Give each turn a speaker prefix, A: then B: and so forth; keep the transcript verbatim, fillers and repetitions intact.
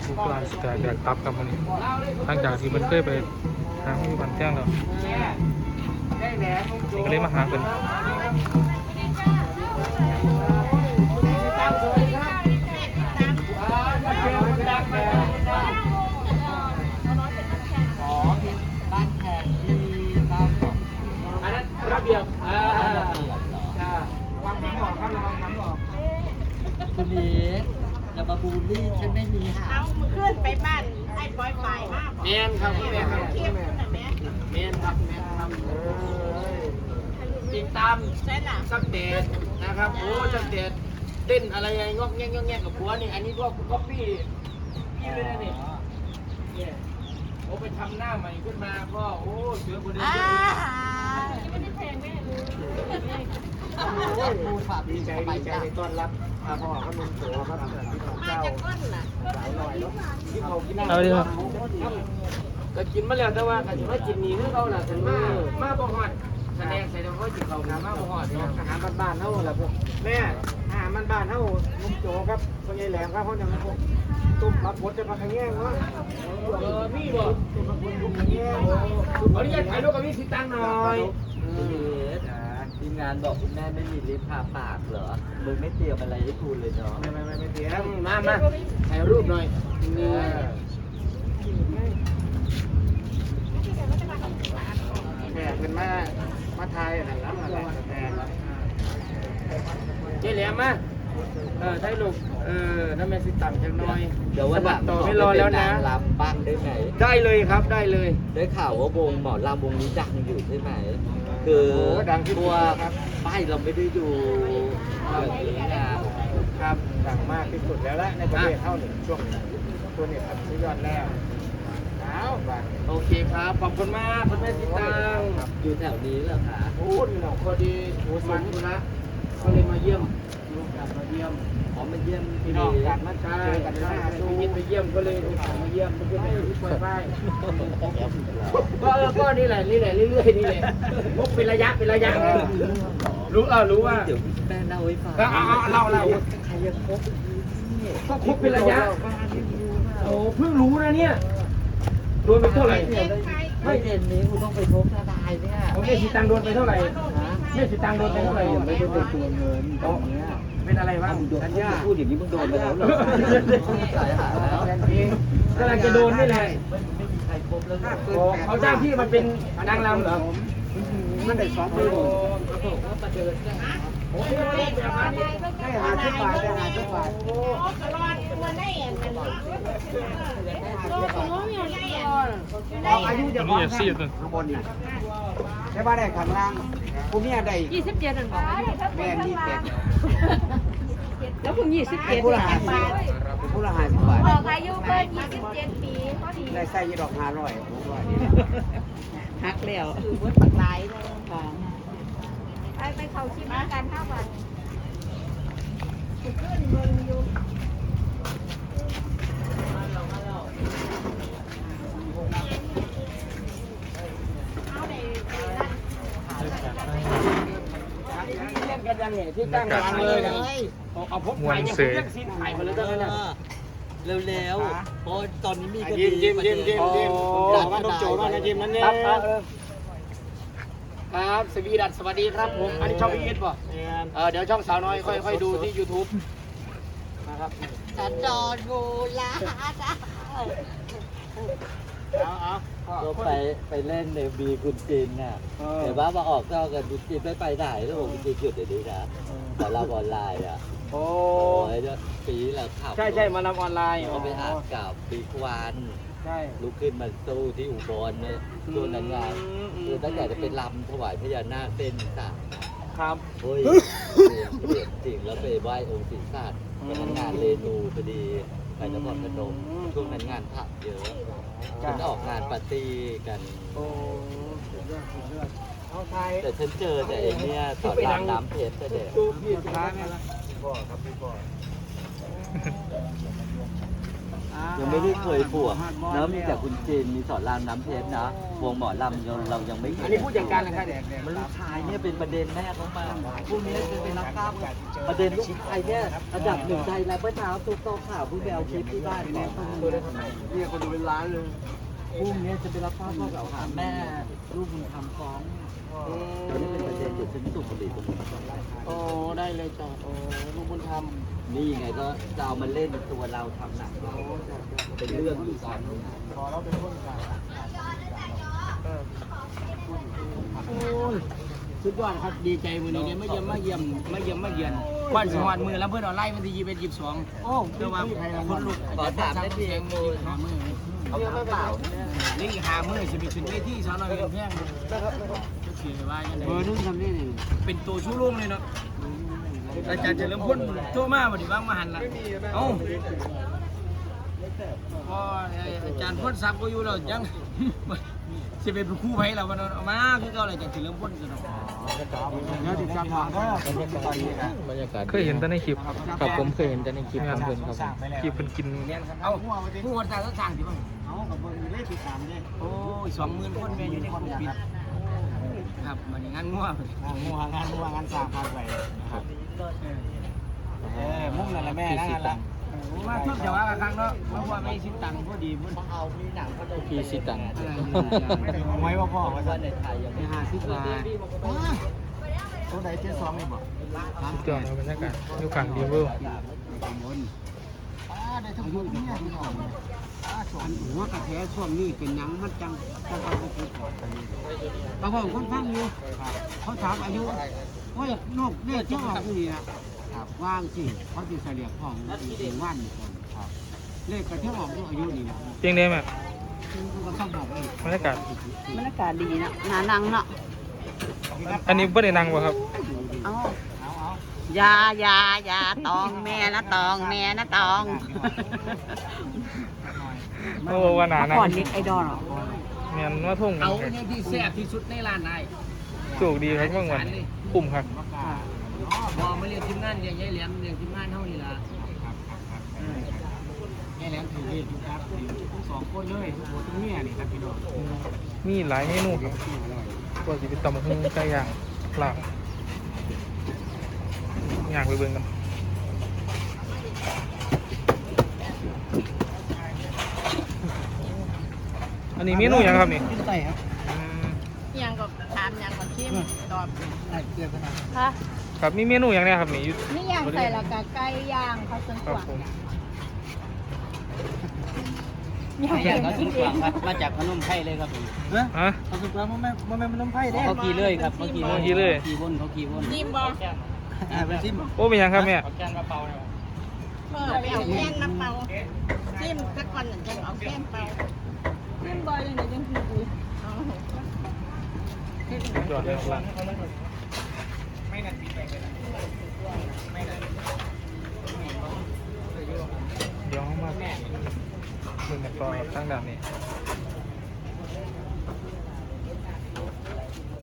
A: ลูกหลานสแตกแดกตับกับมันนี่หลังจากที่มันเคยไปหาที่บ้านแจ้งแล้วก็เลยมาหากัน
B: ระเบียบอ่าค่ะวางน้ำออกครับระวังน้ำออกคุณนี้อย่ามาบูลลี่ฉันไม่มีค่ะเอาขึ้นไปบ้านไอ้ปอยฝ่ายมากแมนครับแมนครับแมนแมนครับแมนครับติดตามสักเดทนะครับโอ้สักเดทเต้นอะไรไงงอกแงกงอกแงกกับผัวนี่อันนี้พวกก๊อปปี้พี่เลยนะนี่เนี่ยโอ้ไปทำหน้าใหม่ขึ้นมาก็โอ้เสือคนเดิมไม่ได้แพงแม่เลยดีใจดีใจในต้อนรับพ่อขนมโสครับมาจากก้นน่ะสายลอยเนาะที่เขากินเอาดิครับก็กินมาแล้วแต่ว่าก็ถือว่ากินนี่คือเขาล่ะถึงมามาบ่ฮอดแสดงใส่ตัวเขาจิเขาหามาบ่ฮอดอาหารบ้านๆเฮาล่ะพวกแม่อาหารบ้านๆเฮานุ่มโจครับพ่อใหญ่แหลมครับเฮาจังพวกตุ้มรับผลจะมาขะแยงเนาะเออมีบ่ตุ้มรับผลตุ้มขะแยงขออนุญาตถ่ายรูปกับพี่สิตังหน่อยทีมงานบอกคุณแม่ไม่มีลิฟต์พาปากเหรอมึงไม่เตรียมอะไรให้กูเลยเนาะไม่ไม่ไม่ไม่เตรียมมามาถ่ายรูปหน่อยนี่แม่เป็นมามาถ่ายอะไรแล้วอะไรแม่เจ๊เหลี่ยมมาเออถ่ายรูปเออน้ำแม่สิตังจังหน่อยเดี๋ยววันหลังต่อไม่รอแล้วนะลำบ้างได้ไหมได้เลยครับได้เลยได้ข่าวว่าวงหมอลำวงนี้ดังอยู่ใช่ไหมคือตัวป้ายเราไม่ได้ดูแบบนี้นะครับดังมากที่สุดแล้วละในประเทศเท่าหนึ่งช่วงตัวนี้ทำสุดยอดแล้วเอาโอเคครับขอบคุณมากคุณแม่สิตังอยู่แถวนี้เหรอคะโอ้ยหนองพอดีโอ้สมุนนะก็เลยมาเยี่ยมลูกมาเยี่ยมขอมาเยี่ยมพี่น้องกันมาใช่กันได้ดูยินไปเยี่ยมก็เลยมาเยี่ยมเพื่อนๆที่ป่วยไปก็ก็นี่แหละนี่แหละเรื่อยๆนี่แหละพกเป็นระยะเป็นระยะรู้เออรู้ว่าเดี๋ยวแม่เล่าให้ฟังเอาเอาเล่าเล่าใครยังพกก็พกเป็นระยะโอ้เพิ่งรู้นะเนี่ยโดนไปเท่าไหร่ไม่เด่นนี้คุณต้องไปพบทนายเนี่ยโอเคสิตังโดนไปเท่าไหร่แม่สิตังโดนไปเท่าไหร่ไม่ได้เป็นตัวเงินตรงนี้เป็นอะไรบ้างอันนี้พูดอย่างนี้มึงโดนไปแล้วเหรอสายหาแล้วกำลังจะโดนนี่แหละเขาจ้างพี่มาเป็นนางรำเหรอมันได้สองปีโอ้ยได้หาชุดบาทได้หาชุดบาทโอ้กระรอนมันได้เอ็นกันเนาะโอ้ของน้องอย่างไรอ่ะอายุจะพอข้างบนนี่ใช่ป่ะได้ข้างล่างผมเนี่ยได้ยี่สิบเจ็ดนั่นบอกแม่ยี่สิบเจ็ดแล้วผมยี่สิบเจ็ดผู้ละห้าสิบบาทผู้ละห้าสิบบาทบอกอายุเกินยี่สิบเจ็ดปีพอดีได้ใส่ยี่ดอกห้าร้อยหักแล้วคือวัดปักไหลเลยค่ะไปไปเขาชิมกันข้าววันขึ้นเมืองอยู่เล่นกันยังไงที่ตั้งร้านเลยนะเอาพกไข่เนี่ยเรียกซีนไข่มาเลยได้ไหมเร็วๆเพราะตอนนี้มีคดียิ้มยิ้มยิ้มยิ้มยิ้มว่าต้องโจว่านะยิ้มนั่นเนี่ยครับสวีดัสสวัสดีครับผมอันนี้ช่องพีเอสป่ะเออเดี๋ยวช่องสาวน้อยค่อยค่อยดูที่ ยูทูบ นะครับสันดอนงูลาเอาเอาก็ไปไปเล่นในบีคุณจีนน่ะเดี๋ยวว่ามาออกเจ้ากันคุณจีนไม่ไปไหนแล้วผมคุณจีนหยุดเดี๋ยวนี้นะแต่เราออนไลน์อ่ะโอ้ยปีแล้วขับใช่ใช่มาทำออนไลน์เขาไปอ่านกับปีควันใช่ลุกขึ้นมาสู้ที่อุบลเนี่ยช่วงนั้นไงคือตั้งแต่จะเป็นลำถวายพญานาคเต้นสามครับเฮ้ยเปลี่ยนจริงแล้วไปไหว้องค์ศิษย์ศาสตร์ไปทำงานเรนูพอดีไปนครพนมช่วงนั้นงานผับเยอะฉันออกงานปาร์ตี้กันโอ้แต่ฉันเจอแต่ไอ้เนี่ยสอนรามน้ำเพชรแต่เด็กพี่สุดท้ายไหมล่ะพี่พ่อครับพี่พ่ออ้ายังไม่ได้เคยบวกแล้วมีแต่คุณเจนมีสอนรามน้ำเพชรนะวงหมอลำเราเรายังไม่เห็น
C: อันนี้พูดอย่างการเลยครับ
B: มันลูกชายเนี่ยเป็นประเด็นแม่เขามาพวกนี้จะเป็นนักกล้ามประเด็นลูกชายเนี่ยระดับหนึ่งใจแล้วเมื่อเช้าตุ๊กโตข่าวเพิ่งไปเอาคลิปที่บ้านก่อนนี่คนดูเป็นล้านเลยพวกนี้จะไปรับทราบข้อกล่าวหาแม่ลูกบุญธรรมฟ้องตอนนี้เป็นประเด็นอยู่ฉันสูบบุหรี่ตรงนี้
C: โอ้ได้เลยจ้ะโอ้ลูกบุญธรรม
B: นี่ไงก็จะเอามาเล่นตัวเราทำหนักเป็นเรื่องอยู่ตอนนี้
C: พอเราเป็นคนกลางโอ้ยสุดยอดครับดีใจมือนี้เนี่ยไม่เยี่ยมไม่เยี่ยมไม่เยี่ยมไม่เยือนควันสวัสดิ์มือแล้วเพื่อนออนไลน์วันที่ยี่สิบเอ็ดยี่สิบสองโอ้เดี๋ยวว่าคนลุก
B: ขอถามได้เพียงมูล
C: หามือ
B: เขาถามเปล่า
C: นี่หามือจะไปขึ้นเวทีสาวน้อยเป็นแพงเขียนว่าอย่างไรเบอร์นึงทำนี่เป็นตัวชูรุ่งเลยเนาะอาจารย์จะเริ่มพ่นโทรมาวันนี้ว่างมาหันละเอ้าพออาจารย์พ่นซับก็อยู่แล้วยังจะเป็นคู่ไผ่เราวันนั้นเอามาคือเขาอะไรจะเริ่มพ่นกันเนาะเดี๋ยวติดตามทางก็
B: บรรยากาศ
A: เคยเห็นแต่ในคลิปครับผมเคยเห็นแต่ในคลิปของเพิ่นครับคลิปเพิ่นกิน
C: เอาผู้คนต่างก็ต่างที่บ้างเอากับเบอร์ได้ติดตามได้โอ้ยสองหมื่นคนแม่อยู่ในคนปิดครับมันงานงัวงัวงานงัวงานสร้างพาไปครับเออมุ่งนั่นแหละแม่นั่นแหละมาเพิ่มจะว่ากันครั้งเนาะเพราะว่าไม่สิตังค์พอดีพุ่น
B: เอามีหนังก็จะ
A: พี่สิตัง
C: ไว้ว่าพ่อ
B: ว่าในไทยยังไม่
C: ห้าสิบบาทตัวไหนเจ็ดสองนี่บอก
A: สุดยอดครับบรรยากาศอยู่กลางดีเวอร์
C: ได้ทั้งคนเนี่ยที่ออกอันหัวกระแทช่วงนี้เป็นหนังมันจังจังเขาพูดบางคนคนฟังอยู่เขาถามอายุว่านกเนี่ยเจ้าออกนี่นะว่างสิเขาจะเฉลี่ยของถึงวันคนเลขกระเที่ยวออกด้วยอายุนี่นะ
A: เพียงได้ไหม
C: ก็ต้องบอกเลย
A: บรรยากาศ
D: บรรยากาศดีนะหนานังเนาะ
A: อันนี้บ่ได้นั่งบ่ครับ
D: เอายายายาตองแม่นะตองแม่นะตอง
A: โอ้ว่าหนานั่ง
D: ก่อนเน็กไอดอลเหรอ
A: แม่นว่าทุ่ง
C: เอาเนี่ยที่แซ่บที่สุดในร้านนาย
A: โชคดีครับเมื่อวันคุ้มครับ
C: บอมาเรียนทีมงานเรียนยายแหลมเรียนทีมงานเท่านี้ละยายแหลมถือเรียนอยู่ครับทั้งสองคนเลยทั้งหมดทั้งเมียนี่ครับพี่น้อง
A: มีหลายเมนูครับก็สิเป็นตำบักหุ่งไก่ย่างลาบย่างไปเบิ่งกันอันนี้เมนูหยังครับนี่
C: กินไก่ครับ
A: อืม
D: ยังก็ถามยังก็ชิมตอบ
C: ไก่เกลือขนาด
D: ค่ะ
A: ครับมีเมนูหยังเนี่ยครับนี่อยู่
D: นี่ย่างใส่ละกะไก่ย่างเขาสวน
A: ค
D: ก
A: รับ
D: วาง
A: ผม
D: ย่าง
C: อย่างเขา
D: กิ
C: สุ
D: น
C: ด
D: เอก
C: วาง
D: ง
C: ครับมาจากพนมไพรเลยครับผม
A: ฮะ
C: เขาสุดวางมันไม่มันไม่พนมไพรเด้เขาขี่เลยครับเขาขี่
A: เขาขี่เลย
C: ขี่วนเขาขี่วน
D: จิ้มบ่
C: อ่าเป็นซิม
A: โอ้เป็นหยังครับแม่
C: แกงกระเป๋าเนี่ย
D: เออไปเอาแก้มน้ำเปล่าจิ้มสักวันหนึ่งจะเอาแก้มเปล่าจิ้มบ่ยังไงยังคือกูเอา
A: สุดยอดเลยครับเดี๋ยวเขามาเบิ่งกันต่อทางด้านนี้